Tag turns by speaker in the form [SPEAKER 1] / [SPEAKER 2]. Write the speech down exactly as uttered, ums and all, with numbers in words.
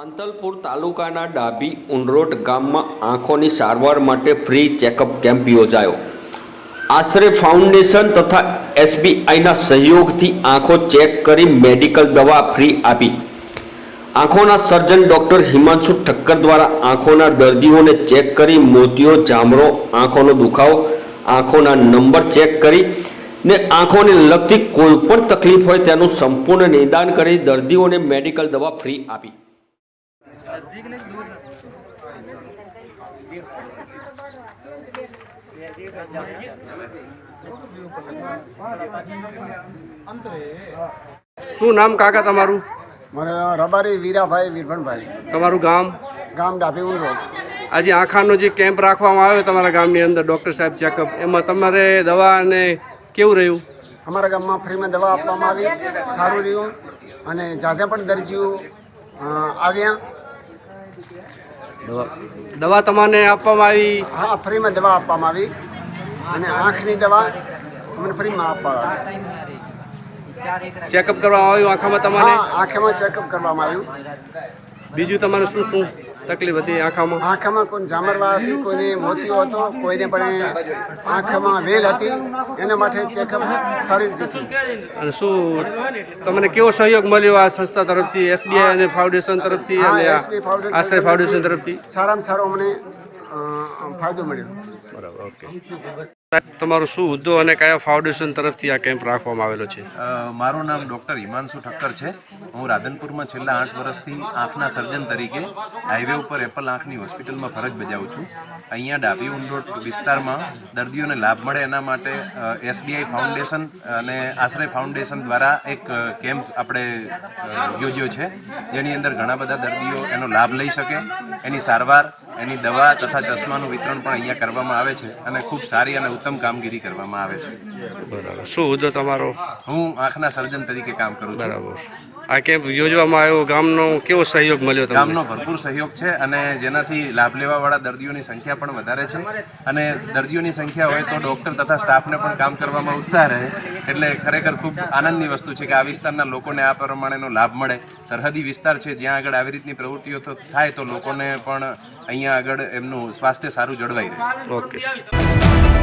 [SPEAKER 1] સાંતલપુર તાલુકાના ડાભી ઉંડરોટ ગામમાં આંખોની સારવાર માટે ફ્રી ચેકઅપ કેમ્પ યોજાયો। આશ્રય ફાઉન્ડેશન તથા એસબીઆઈના સહયોગથી આંખો ચેક કરી મેડિકલ દવા ફ્રી આપી। આંખોના સર્જન ડોક્ટર હિમાંશુ ઠક્કર દ્વારા આંખોના દર્દીઓને ચેક કરી મોતિયો, જામરો, આંખોનો દુખાવો, આંખોના નંબર ચેક કરી ને આંખોને લગતી કોઈ પણ તકલીફ હોય તેનું સંપૂર્ણ નિદાન કરી દર્દીઓને મેડિકલ દવા ફ્રી આપી।
[SPEAKER 2] શું નામ કાકા તમારું?
[SPEAKER 3] મારે રબારી વીરાભાઈ વીરભણભાઈ।
[SPEAKER 2] તમારું ગામ?
[SPEAKER 3] ગામ ડાભી ઉંડરોટ।
[SPEAKER 2] આજે આંખાનો જે કેમ્પ રાખવામાં આવ્યો તમારા ગામની અંદર ડૉક્ટર સાહેબ ચેકઅપ, એમાં તમારે દવા અને કેવું રહ્યું?
[SPEAKER 3] અમારા ગામમાં ફ્રીમાં દવા આપવામાં આવી, સારું રહ્યું અને ઝાઝા પણ દર્દીઓ આવ્યા।
[SPEAKER 2] દવા દવા તમને આપવામાં આવી?
[SPEAKER 3] હા, ફ્રીમાં દવા આપવામાં આવી અને આંખની દવા અમને ફ્રીમાં આપવામાં આવી।
[SPEAKER 2] ચેકઅપ કરવામાં આવ્યું આંખામાં તમારે?
[SPEAKER 3] હા, આંખમાં ચેકઅપ કરવામાં આવ્યું।
[SPEAKER 2] બીજું તમારે શું શું તકલીફ હતી આંખામાં?
[SPEAKER 3] આંખામાં કોઈ જામરવા હતી, કોઈને મોતિયો હતો, કોઈને પણ આંખમાં વેલ હતી, એના માટે ચેકઅપ સારી રીતે થયું।
[SPEAKER 2] અને શું તમને કેવો સહયોગ મળ્યો આ સંસ્થા તરફથી, એસબીઆઈ અને ફાઉન્ડેશન તરફથી અને આશ્રય ફાઉન્ડેશન તરફથી?
[SPEAKER 3] સારામાં સારો અમને ફાયદો મળ્યો।
[SPEAKER 2] બરાબર, ઓકે। તમારું શું હોદ્દો અને કયા ફાઉન્ડેશન તરફથી આ કેમ્પ રાખવામાં આવેલો છે?
[SPEAKER 4] મારું નામ ડૉક્ટર હિમાંશુ ઠક્કર છે। હું રાધનપુરમાં છેલ્લા આઠ વર્ષથી આંખના સર્જન તરીકે હાઈવે ઉપર એપલ આંખની હોસ્પિટલમાં ફરજ બજાવું છું। અહીંયા ડાભી ઉંડરોટ વિસ્તારમાં દર્દીઓને લાભ મળે એના માટે એસબીઆઈ ફાઉન્ડેશન અને આશ્રય ફાઉન્ડેશન દ્વારા એક કેમ્પ આપણે યોજ્યો છે, જેની અંદર ઘણા બધા દર્દીઓ એનો લાભ લઈ શકે, એની સારવાર, એની દવા તથા ચશ્માનું વિતરણ પણ અહીંયા કરવામાં આવે છે અને ખૂબ સારી અને ઉત્તમ કામગીરી કરવામાં આવે છે।
[SPEAKER 2] બરાબર, શું હોદ્દો તમારો?
[SPEAKER 4] હું આંખના સર્જન તરીકે કામ કરું છું।
[SPEAKER 2] બરાબર, આ કેમ્પ યોજવામાં આવ્યો, ગામનો કેવો સહયોગ મળ્યો તમને?
[SPEAKER 4] ગામનો ભરપૂર સહયોગ છે અને જેનાથી લાભ લેવાવાળા દર્દીઓની સંખ્યા પણ વધારે છે અને દર્દીઓની સંખ્યા હોય તો ડૉક્ટર તથા સ્ટાફને પણ કામ કરવામાં ઉત્સાહ રહે, એટલે ખરેખર ખૂબ આનંદની વસ્તુ છે કે આ વિસ્તારના લોકોને આ પ્રમાણેનો લાભ મળે। સરહદી વિસ્તાર છે, જ્યાં આગળ આવી રીતની પ્રવૃત્તિઓ થાય તો લોકોને પણ અહીંયા આગળ એમનું સ્વાસ્થ્ય સારું જળવાઈ રહે।
[SPEAKER 2] ઓકે।